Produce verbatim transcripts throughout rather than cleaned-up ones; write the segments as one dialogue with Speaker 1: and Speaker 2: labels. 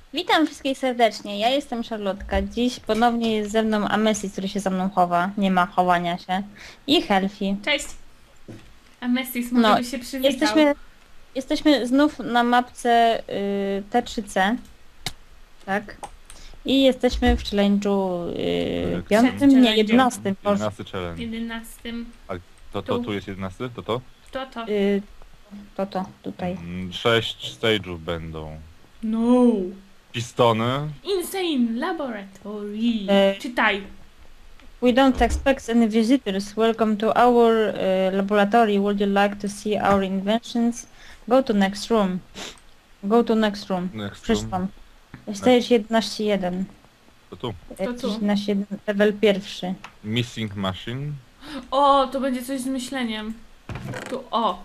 Speaker 1: Witam wszystkich serdecznie, ja jestem Charlotka. Dziś ponownie jest ze mną Amesis, który się za mną chowa. Nie ma chowania się. I Helfi.
Speaker 2: Cześć! A Messis może
Speaker 1: No,
Speaker 2: by się przywitał.
Speaker 1: jesteśmy, jesteśmy znów na mapce y, T trzy C. Tak. I jesteśmy w challenge'u y,
Speaker 3: Tak,
Speaker 1: piątym,
Speaker 2: przed
Speaker 1: nie,
Speaker 2: challenge'em.
Speaker 1: jedenastym. Boże.
Speaker 3: jedenasty challenge.
Speaker 2: jedenastym.
Speaker 3: A to, to
Speaker 2: Tu.
Speaker 3: tu jest jedenasty? To to?
Speaker 2: Kto to?
Speaker 1: Y, to to, tutaj.
Speaker 3: Mm, Sześć stage'ów będą.
Speaker 2: No!
Speaker 3: Pistony.
Speaker 2: Insane Laboratory.
Speaker 1: E.
Speaker 2: Czytaj.
Speaker 1: We don't expect any visitors. Welcome to our uh, laboratory. Would you like to see our inventions? Go to next room. Go to next room.
Speaker 3: Next
Speaker 1: Przeczytam. Stage jedenaście jeden.
Speaker 3: To tu.
Speaker 2: To tu.
Speaker 1: jedenaście jeden, level pierwszy.
Speaker 3: Missing machine.
Speaker 2: O, to będzie coś z myśleniem. Tu, o.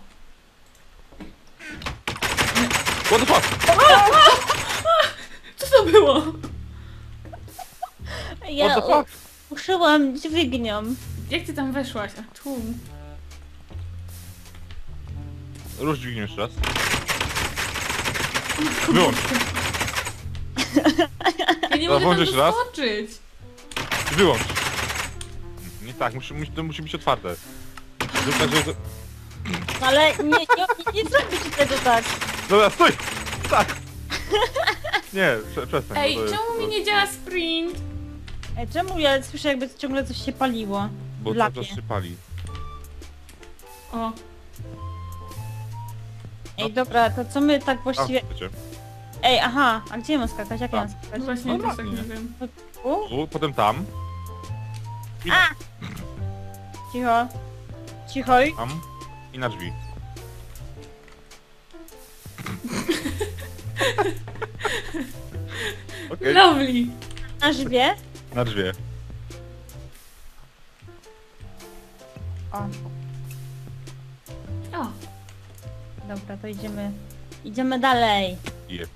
Speaker 3: What the fuck?
Speaker 2: Co to było?
Speaker 1: Ja
Speaker 3: What the fuck?
Speaker 1: u- uszyłam dźwignią.
Speaker 2: Jak ty tam weszłaś? A tu.
Speaker 3: Rusz dźwignię jeszcze raz. Wyłącz.
Speaker 2: Ja nie
Speaker 3: No,
Speaker 2: mogę tam
Speaker 3: włącz jeszcze raz.
Speaker 2: doskoczyć.
Speaker 3: Wyłącz. Nie tak, musi, musi, to musi być otwarte. Zrób tak, że... to-
Speaker 1: Ale nie, nie, nie, nie zrobię ci tego tak.
Speaker 3: Dobra, stój! Tak! Nie, prze, przestań.
Speaker 2: Ej,
Speaker 3: bo to jest-
Speaker 2: czemu mi
Speaker 3: to-
Speaker 2: nie działa sprint?
Speaker 1: Ej, czemu ja słyszę jakby ciągle coś się paliło?
Speaker 3: Bo
Speaker 1: w
Speaker 3: cały
Speaker 1: lapie.
Speaker 3: czas się pali.
Speaker 2: O.
Speaker 1: Ej, dobra, to co my tak
Speaker 3: A,
Speaker 1: właściwie...
Speaker 3: wiecie.
Speaker 1: Ej, aha, a gdzie mam skakać? Jak ja mam
Speaker 3: Tam.
Speaker 1: skakać?
Speaker 2: Właśnie
Speaker 3: No
Speaker 2: też tak
Speaker 3: ładnie.
Speaker 2: nie wiem.
Speaker 1: Tu?
Speaker 3: Tu, potem tam. I
Speaker 1: Cicho. Cicho.
Speaker 3: tam. I na drzwi. Okej,
Speaker 2: Lovely.
Speaker 1: Na żywie?
Speaker 3: na drzwi.
Speaker 1: O,
Speaker 2: O.
Speaker 1: dobra, to idziemy... Idziemy dalej.
Speaker 3: Yep.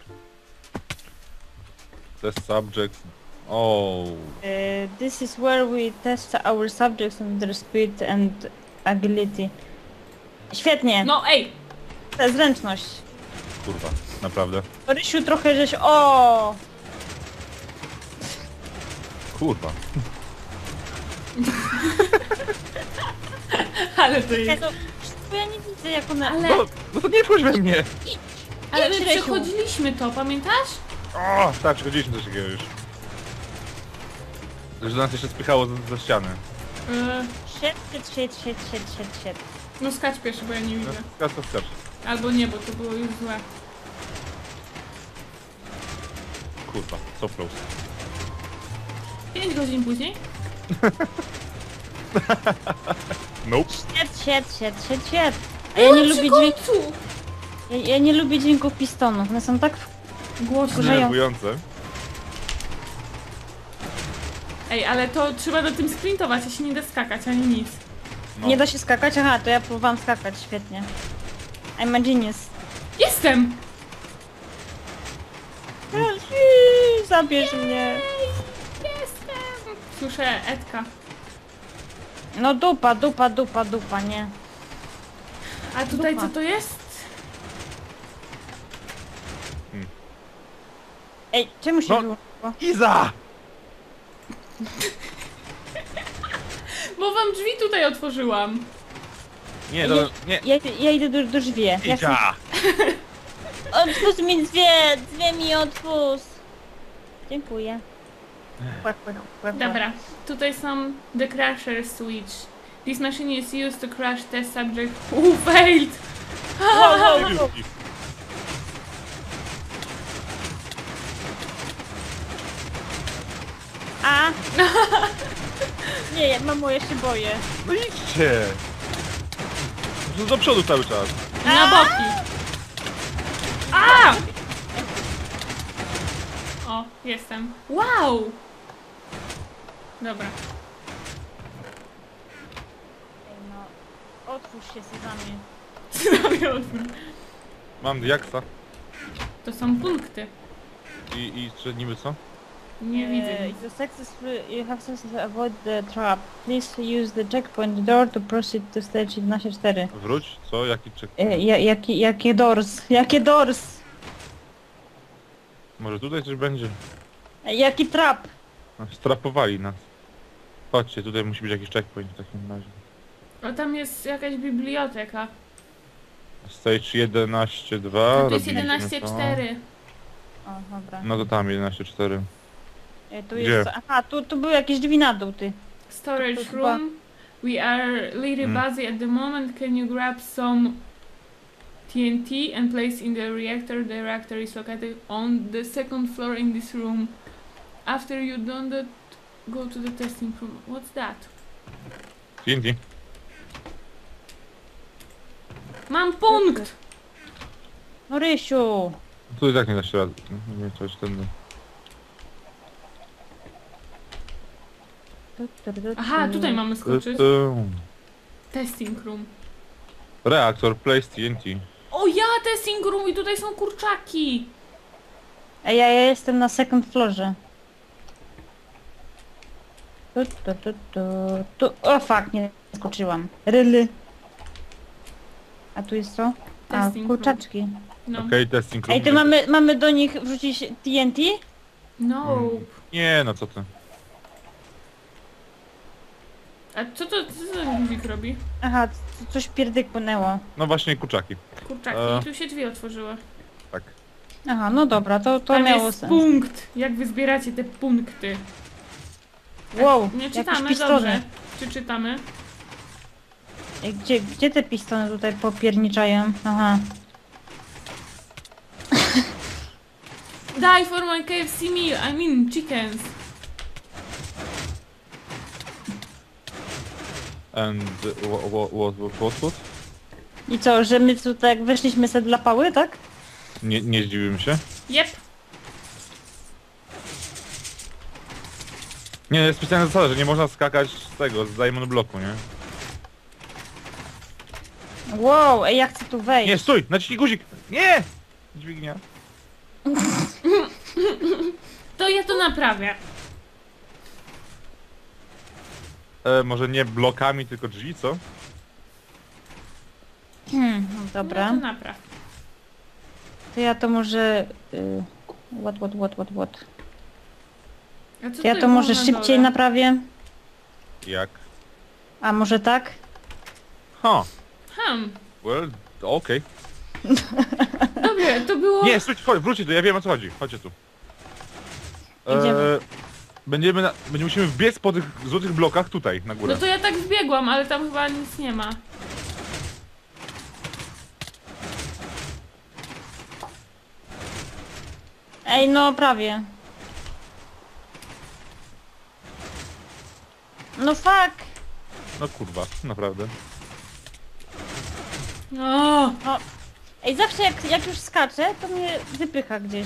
Speaker 3: Test subjects. Oh.
Speaker 1: Uh, this is where we test our subjects on their speed and agility. Świetnie,
Speaker 2: No ej!
Speaker 1: to jest zręczność.
Speaker 3: Kurwa, naprawdę.
Speaker 1: Rysiu trochę żeś... O!
Speaker 3: Kurwa.
Speaker 2: Ale to
Speaker 1: Ja,
Speaker 2: jest...
Speaker 1: to, bo ja nie widzę jak one...
Speaker 2: Ale...
Speaker 3: No, no to nie wchodź we mnie!
Speaker 2: Ale my
Speaker 1: Idź, Rysiu.
Speaker 2: przechodziliśmy to, pamiętasz?
Speaker 3: O, tak, przechodziliśmy coś takiego już. Że nas jeszcze spychało ze, ze ściany.
Speaker 2: Yy,
Speaker 1: Siedź, siedź, siedź, siedź, siedź, siedź, siedź.
Speaker 2: no skacz pierwszy, bo ja nie
Speaker 3: No,
Speaker 2: widzę.
Speaker 3: skacz, skacz, skacz.
Speaker 2: Albo nie, bo to było już złe.
Speaker 3: Kurwa, so close.
Speaker 2: Pięć godzin później?
Speaker 3: Nope.
Speaker 1: Siedź, siedź, siedź, siedź, siedź. A ja nie lubię dźwięku...
Speaker 2: dźwięku!
Speaker 1: Ja, ja nie lubię dźwięków pistonów, one są tak...
Speaker 2: Głośno.
Speaker 1: Grzeją.
Speaker 3: Denerwujące.
Speaker 2: Ej, ale to trzeba do tym sprintować, a się nie da skakać, ani nic.
Speaker 3: No.
Speaker 1: Nie da się skakać? Aha, to ja próbowałam skakać, świetnie. I'm a genius.
Speaker 2: Jestem!
Speaker 1: Helfi, zabierz mnie.
Speaker 2: Jestem! Słyszę Edka.
Speaker 1: No dupa, dupa, dupa, dupa, nie.
Speaker 2: A tutaj
Speaker 1: Dupa.
Speaker 2: co to jest?
Speaker 1: Ej, czemu się
Speaker 3: No.
Speaker 1: wyłączyło?
Speaker 3: Iza!
Speaker 2: Bo wam drzwi tutaj otworzyłam.
Speaker 3: Nie, to... Nie.
Speaker 1: Ja, ja idę do, do drzwi. Ja chcę...
Speaker 3: Iza!
Speaker 1: Otwórz mi drzwi, drzwi mi otwórz. Dziękuję. Kłak, kłak, kłak, kłak.
Speaker 2: Dobra, tutaj są the crusher switch. This machine is used to crush test subject who failed.
Speaker 1: Wow, wow, wow. A? Nie, ja, mamo, ja się boję.
Speaker 3: No idźcie! No do przodu cały czas.
Speaker 2: Na boki. A! O, jestem. Wow! Dobra.
Speaker 1: Ej, no. Otwórz się, Sezamie.
Speaker 2: Zrobię odwrót.
Speaker 3: Mam diaksa.
Speaker 2: To są punkty.
Speaker 3: I, i czy niby co?
Speaker 2: Nie widzę
Speaker 1: Uh,
Speaker 2: nic.
Speaker 1: you successfully, you have successfully avoid the trap. Please use the checkpoint door to proceed to stage jedenaście cztery.
Speaker 3: Wróć? Co? Jaki czek?
Speaker 1: E, ja, jaki, jakie doors? Jakie doors?
Speaker 3: Może tutaj coś będzie?
Speaker 1: Ej, jaki trap?
Speaker 3: No, strapowali nas. Chodźcie, tutaj musi być jakiś checkpoint w takim razie.
Speaker 2: O, tam jest jakaś biblioteka.
Speaker 3: Stage jedenaście dwa.
Speaker 2: A tu jest
Speaker 3: robiliśmy
Speaker 2: jedenaście
Speaker 3: to.
Speaker 2: cztery.
Speaker 1: O, dobra.
Speaker 3: No to tam jedenaście cztery.
Speaker 1: Ej, tu
Speaker 3: Gdzie?
Speaker 1: jest... Aha, tu, tu były jakieś drzwi na dół, ty.
Speaker 2: Storage
Speaker 1: To chyba-
Speaker 2: room. We are little
Speaker 3: Mm.
Speaker 2: busy at the moment. Can you grab some T N T and place in the reactor? The reactor is located on the second floor in this room. After you done that, go to the testing room. What's that?
Speaker 3: T N T.
Speaker 2: Mam punkt!
Speaker 1: No Rysiu!
Speaker 3: Tu i tak nie da się rady. Nie wiem, coś tędy.
Speaker 1: Tu, tu, tu, tu.
Speaker 2: Aha, tutaj mamy
Speaker 3: Tu,
Speaker 2: skoczyć.
Speaker 3: tu.
Speaker 2: Testing room.
Speaker 3: Reaktor, place T N T.
Speaker 2: O ja, testing room i tutaj są kurczaki!
Speaker 1: Ej, ja, ja jestem na second floorze. Tu, tu, tu, tu, tu. O fuck, nie skoczyłam. Ryly. A tu jest co? A,
Speaker 2: Testing
Speaker 1: kurczaczki.
Speaker 2: No.
Speaker 3: Okej, okay, testing room.
Speaker 1: Ej, to mamy, mamy do nich wrzucić T N T?
Speaker 2: No.
Speaker 3: Mm. Nie, no co ty.
Speaker 2: A co to, co ten guzik robi?
Speaker 1: Aha, c- coś pierdyknęło.
Speaker 3: No właśnie, kurczaki.
Speaker 2: Kurczaki.
Speaker 3: E.
Speaker 2: I tu się drzwi otworzyły.
Speaker 3: Tak.
Speaker 1: Aha, no dobra, to, to
Speaker 2: Tam
Speaker 1: miało
Speaker 2: jest
Speaker 1: sens.
Speaker 2: punkt. Jak wy zbieracie te punkty?
Speaker 1: Wow,
Speaker 2: Nie
Speaker 1: jakieś
Speaker 2: czytamy,
Speaker 1: pistony.
Speaker 2: dobrze. Czy czytamy?
Speaker 1: Ej, Gdzie, gdzie te pistony tutaj popierniczają? Aha.
Speaker 2: Die for my K F C meal, I mean chickens.
Speaker 3: And what, what, what, what, what?
Speaker 1: I co, że my tutaj jak weszliśmy sobie dla pały, tak?
Speaker 3: Nie, nie zdziwiłem się.
Speaker 2: Jep.
Speaker 3: Nie, jest specjalna zasada, że nie można skakać z tego, z Diamond Blocku, nie?
Speaker 1: Wow, ej, ja chcę tu wejść.
Speaker 3: Nie, stój! Naciśnij guzik! Nie! Dźwignia.
Speaker 2: To ja to naprawię.
Speaker 3: E, może nie blokami, tylko drzwi, co?
Speaker 1: Hmm, no dobra.
Speaker 2: No to napraw.
Speaker 1: To ja to może... Y, what, what, what, what, what.
Speaker 2: A co
Speaker 1: To ja
Speaker 2: tu
Speaker 1: to
Speaker 2: było
Speaker 1: może
Speaker 2: na
Speaker 1: szybciej
Speaker 2: dole?
Speaker 1: naprawię?
Speaker 3: Jak?
Speaker 1: A może tak?
Speaker 3: Ha!
Speaker 2: Hmm.
Speaker 3: Well, okej.
Speaker 2: Dobrze, to było...
Speaker 3: Nie, stój, chodź, wróćcie tu, ja wiem o co chodzi. Chodźcie tu.
Speaker 1: Idziemy.
Speaker 3: będziemy, na, będziemy musimy wbiec po tych złotych blokach tutaj, na górę.
Speaker 2: No to ja tak wbiegłam, ale tam chyba nic nie ma.
Speaker 1: Ej, no prawie. No fuck!
Speaker 3: No kurwa, naprawdę.
Speaker 2: O,
Speaker 1: Ej, zawsze jak, jak już skaczę, to mnie wypycha gdzieś.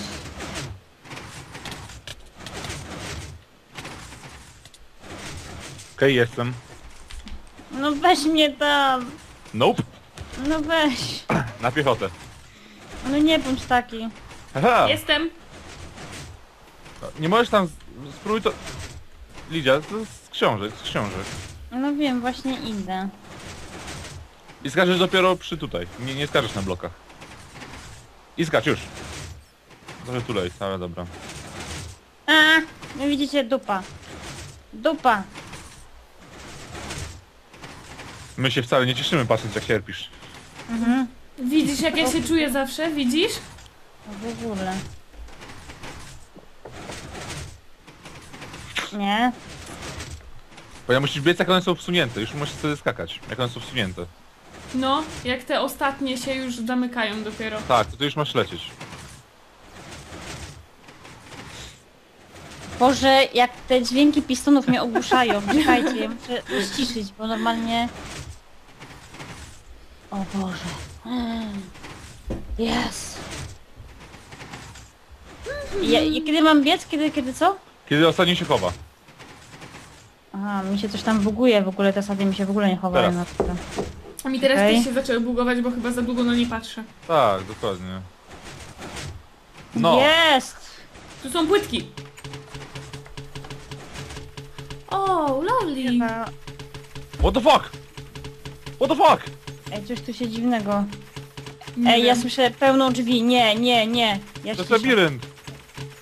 Speaker 3: Okej, jestem.
Speaker 1: No weź mnie tam.
Speaker 3: Nope.
Speaker 1: No weź.
Speaker 3: Na piechotę.
Speaker 1: No nie bądź taki.
Speaker 3: Aha!
Speaker 2: jestem.
Speaker 3: Nie możesz tam... z- Spróbuj to... Lidia, to z książek, z książek.
Speaker 1: No wiem, właśnie idę.
Speaker 3: I skaczesz dopiero przy tutaj. Nie, nie skaczesz na blokach. I skacz już. Trochę tu lej, ale dobra.
Speaker 1: A, no widzicie, dupa. Dupa.
Speaker 3: My się wcale nie cieszymy patrząc jak cierpisz.
Speaker 1: Mhm.
Speaker 2: Widzisz jak ja się czuję zawsze? Widzisz?
Speaker 1: No w ogóle. Nie?
Speaker 3: Bo ja musisz biec jak one są wsunięte, już musisz wtedy skakać, jak one są wsunięte.
Speaker 2: No, jak te ostatnie się już zamykają dopiero.
Speaker 3: Tak, to ty już masz lecieć.
Speaker 1: Boże, jak te dźwięki pistonów mnie ogłuszają. Czekajcie, ja muszę ściszyć, bo normalnie... O Boże. Yes. Ja, i kiedy mam biec? Kiedy, kiedy co?
Speaker 3: Kiedy ostatni się chowa.
Speaker 1: Aha, mi się coś tam buguje w ogóle, te sady mi się w ogóle nie chowają na to.
Speaker 2: A mi teraz
Speaker 1: Okej.
Speaker 2: też się zaczęły bugować, bo chyba za długo na nie patrzę.
Speaker 3: Tak, dokładnie. No.
Speaker 1: Jest!
Speaker 2: Tu są płytki. O, lovely.
Speaker 1: Chyba...
Speaker 3: What the fuck? What the fuck?
Speaker 1: Ej, coś tu się dziwnego.
Speaker 2: Nie
Speaker 1: Ej, ja
Speaker 2: wiem.
Speaker 1: słyszę pełną drzwi. Nie, nie, nie. Ja
Speaker 3: To jest
Speaker 1: ściszę.
Speaker 3: labirynt.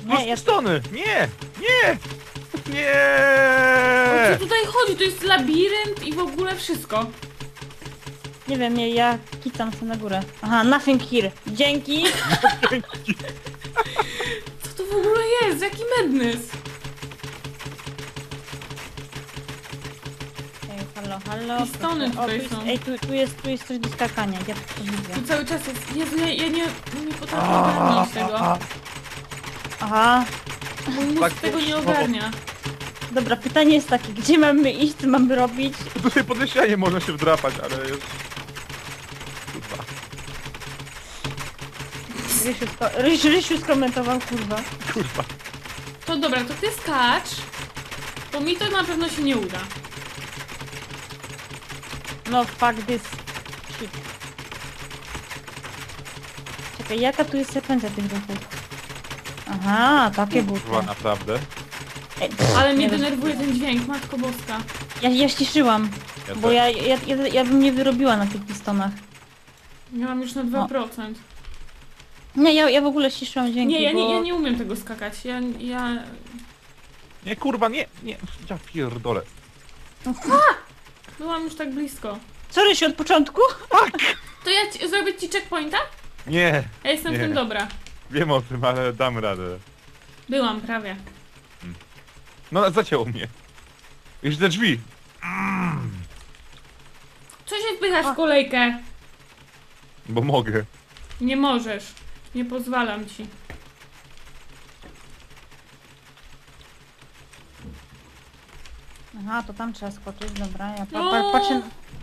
Speaker 1: Nie, ja...
Speaker 3: Stony! Nie! Nie!
Speaker 2: O
Speaker 3: Nie!
Speaker 2: co tutaj chodzi? To jest labirynt i w ogóle wszystko.
Speaker 1: Nie wiem, ja, ja kicam się na górę. Aha, nothing here. Dzięki.
Speaker 2: Co to w ogóle jest? Jaki madness?
Speaker 1: Ej, halo, halo.
Speaker 2: Pistony
Speaker 1: proszę. O,
Speaker 2: tutaj
Speaker 1: tu jest,
Speaker 2: są.
Speaker 1: ej, tu, tu, jest, tu jest coś do skakania, ja to widzę.
Speaker 2: Tu cały czas jest. Jezu, ja, ja nie, nie potrafię ogarnąć tego.
Speaker 1: Aha,
Speaker 2: Mój mózg
Speaker 3: Tak,
Speaker 2: tego nie
Speaker 3: o-
Speaker 2: ogarnia.
Speaker 1: dobra, pytanie jest takie, gdzie mamy iść, co mamy robić?
Speaker 3: Tutaj pod ścianie można się wdrapać, ale jest... Kurwa.
Speaker 1: Rysiu, sko Rysiu, Rysiu skomentował, kurwa.
Speaker 3: Kurwa.
Speaker 2: To dobra, to ty skacz. Bo mi to na pewno się nie uda.
Speaker 1: No, fuck this shit. Czekaj, jaka tu jest sekwencja tych ruchów? Aha, takie buty.
Speaker 3: Kurwa, naprawdę.
Speaker 1: Ej,
Speaker 2: Ale mnie
Speaker 1: nie
Speaker 2: denerwuje ten dźwięk, matko boska.
Speaker 1: Ja, ja ściszyłam,
Speaker 3: Ja
Speaker 1: bo
Speaker 3: też.
Speaker 1: ja, ja, ja, ja bym nie wyrobiła na tych pistonach.
Speaker 2: Ja mam już na dwa procent.
Speaker 1: Nie, ja, ja w ogóle ściszyłam dźwięki,
Speaker 2: Nie, ja
Speaker 1: bo...
Speaker 2: nie, ja nie umiem tego skakać. Ja, ja...
Speaker 3: Nie, kurwa, nie, nie. Ja pierdolę.
Speaker 2: Byłam już tak blisko.
Speaker 1: Co, Rysiu, od początku?
Speaker 2: To ja ci, zrobię ci checkpointa?
Speaker 3: Nie,
Speaker 2: Ja jestem
Speaker 3: Nie.
Speaker 2: w tym dobra.
Speaker 3: wiem o tym, ale dam radę.
Speaker 2: Byłam prawie.
Speaker 3: No, zacięło mnie. Już te drzwi.
Speaker 2: Co się wpychasz
Speaker 1: A.
Speaker 2: w kolejkę?
Speaker 3: Bo mogę.
Speaker 2: Nie możesz. Nie pozwalam ci.
Speaker 1: Aha, to tam trzeba skoczyć, dobra, ja pa,
Speaker 2: No.
Speaker 1: pa, patrzę...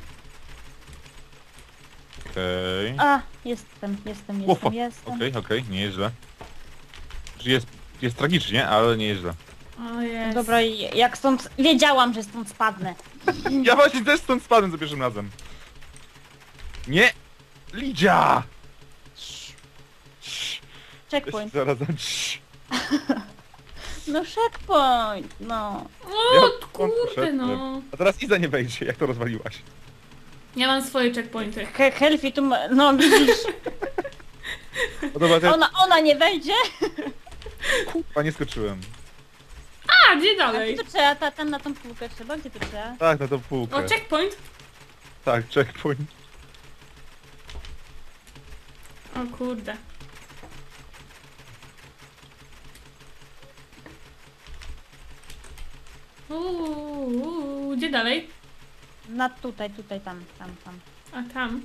Speaker 3: Okej.
Speaker 1: A, jestem, jestem,
Speaker 3: O, fuck.
Speaker 1: jestem, jestem.
Speaker 3: Okej, okej, nie jest źle. Jest, jest tragicznie, ale nie jest źle.
Speaker 2: O jest.
Speaker 1: Dobra, i jak stąd... Wiedziałam, że stąd spadnę.
Speaker 3: Ja właśnie też stąd spadłem za pierwszym razem. Nie! Lidia!
Speaker 1: Checkpoint.
Speaker 3: Zaraz dam cii.
Speaker 1: No checkpoint, no.
Speaker 2: O,
Speaker 3: Ja
Speaker 2: kurde
Speaker 3: poszedłem.
Speaker 2: no.
Speaker 3: A teraz Iza nie wejdzie, jak to rozwaliłaś.
Speaker 2: Ja mam swoje checkpointy.
Speaker 1: He Helfi tu ma... No widzisz,
Speaker 3: No dobra, ja
Speaker 1: ona, ona nie wejdzie.
Speaker 3: kurwa nie skoczyłem.
Speaker 2: A, gdzie
Speaker 1: A
Speaker 2: dalej?
Speaker 1: gdzie to trzeba? Ta, tam na tą półkę trzeba? Gdzie to trzeba?
Speaker 3: Tak, na tą półkę.
Speaker 2: O, checkpoint?
Speaker 3: Tak, checkpoint.
Speaker 2: O kurde. Uuu, gdzie dalej?
Speaker 1: Na tutaj, tutaj, tam, tam, tam.
Speaker 2: A tam.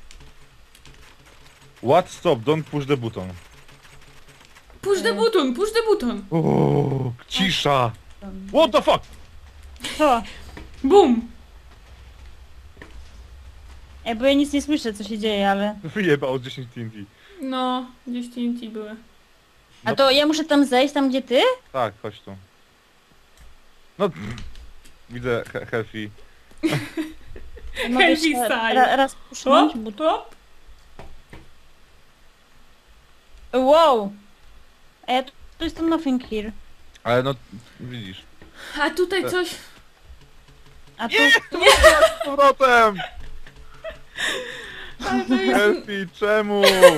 Speaker 3: What? Stop, don't push the button.
Speaker 2: Push the button, push the button.
Speaker 3: Uuu, cisza. What the fuck?
Speaker 1: Co?
Speaker 2: Bum.
Speaker 1: Ej, bo ja nic nie słyszę, co się dzieje, ale...
Speaker 3: Wyjebał z dziesięć T N T.
Speaker 2: No, gdzieś T N T były.
Speaker 1: A
Speaker 3: No.
Speaker 1: to ja muszę tam zejść, tam gdzie ty?
Speaker 3: Tak, chodź tu. No, widzę he Helfi.
Speaker 1: Mogę
Speaker 2: Helfi
Speaker 1: jeszcze
Speaker 2: style.
Speaker 1: ra, raz pusznąć,
Speaker 2: Hop,
Speaker 1: but...
Speaker 2: hop.
Speaker 1: Wow! Ej, to, to jest to nothing here.
Speaker 3: Ale no, widzisz.
Speaker 2: A tutaj coś...
Speaker 1: A tu...
Speaker 3: Z powrotem!
Speaker 2: Ale to jest...
Speaker 3: Helfi, czemu?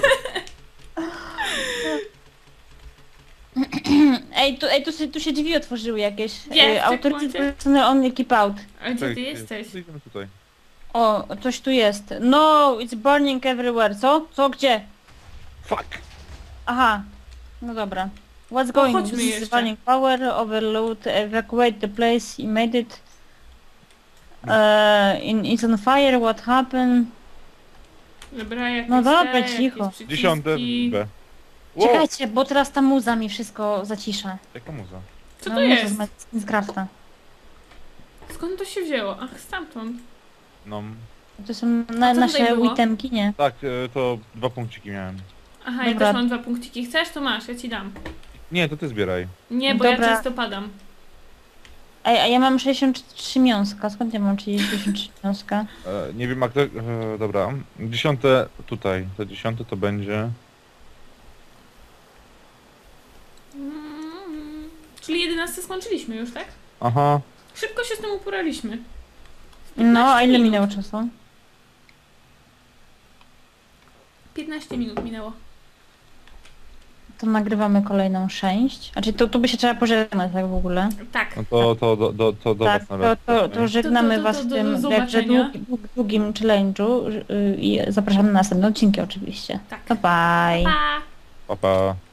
Speaker 1: Ej, tu, ej tu, się, tu się drzwi otworzyły jakieś.
Speaker 2: Gdzie?
Speaker 1: Ej,
Speaker 2: W
Speaker 1: Authority
Speaker 2: checkpoincie?
Speaker 1: personnel only keep out.
Speaker 2: A gdzie ty
Speaker 3: Czekaj,
Speaker 2: jesteś?
Speaker 3: Idziemy tutaj.
Speaker 1: O, coś tu jest. No, it's burning everywhere. Co? Co? Gdzie?
Speaker 3: Fuck!
Speaker 1: Aha. No dobra. What's going?
Speaker 2: chodźmy
Speaker 1: This is
Speaker 2: jeszcze.
Speaker 1: running power, overload, evacuate the place, immediate. Uh, in, it's on fire, what happened?
Speaker 2: Dobra, jakieś
Speaker 1: No dobra,
Speaker 2: te, jakieś
Speaker 1: cicho.
Speaker 2: przyciski.
Speaker 3: Dziesiąte B. Wow,
Speaker 1: Czekajcie, bo teraz ta muza mi wszystko zacisza.
Speaker 3: jaka muza?
Speaker 2: Co
Speaker 1: no,
Speaker 2: to
Speaker 1: muza
Speaker 2: jest?
Speaker 1: z Ma- z Minecrafta.
Speaker 2: Skąd to się wzięło? Ach, stamtąd.
Speaker 3: No,
Speaker 1: To są na,
Speaker 2: A co
Speaker 1: nasze
Speaker 2: tutaj było?
Speaker 1: itemki, nie?
Speaker 3: tak, e, to dwa punkciki miałem.
Speaker 2: Aha, ja
Speaker 1: Dobra.
Speaker 2: też mam dwa punkciki. Chcesz, to masz, ja ci dam.
Speaker 3: Nie, to ty zbieraj.
Speaker 2: Nie, bo
Speaker 1: Dobra.
Speaker 2: ja często padam.
Speaker 1: Ej, a ja mam sześćdziesiąt trzy miąska. Skąd ja mam sześćdziesiąt trzy miąska?
Speaker 3: E, nie wiem jak to... E, dobra. Dziesiąte tutaj. To dziesiąte to będzie...
Speaker 2: Mm, czyli jedenaste skończyliśmy już, tak?
Speaker 3: Aha.
Speaker 2: Szybko się z tym uporaliśmy.
Speaker 1: No, a ile
Speaker 2: minut.
Speaker 1: minęło czasu?
Speaker 2: piętnaście minut minęło.
Speaker 1: to nagrywamy kolejną część. Znaczy to tu by się trzeba pożegnać tak w ogóle.
Speaker 2: Tak.
Speaker 3: No to, to, do, do, to do
Speaker 1: Tak,
Speaker 3: was na
Speaker 1: to,
Speaker 3: razie.
Speaker 1: to, to żegnamy
Speaker 2: To- to- to-
Speaker 1: was w
Speaker 2: do-
Speaker 1: tym
Speaker 2: do
Speaker 1: jakże
Speaker 2: zobaczenia.
Speaker 1: długim, długim challenge'u y, i zapraszamy na następne odcinki oczywiście.
Speaker 2: Tak.
Speaker 1: To bye!
Speaker 2: Pa!
Speaker 3: Pa, pa.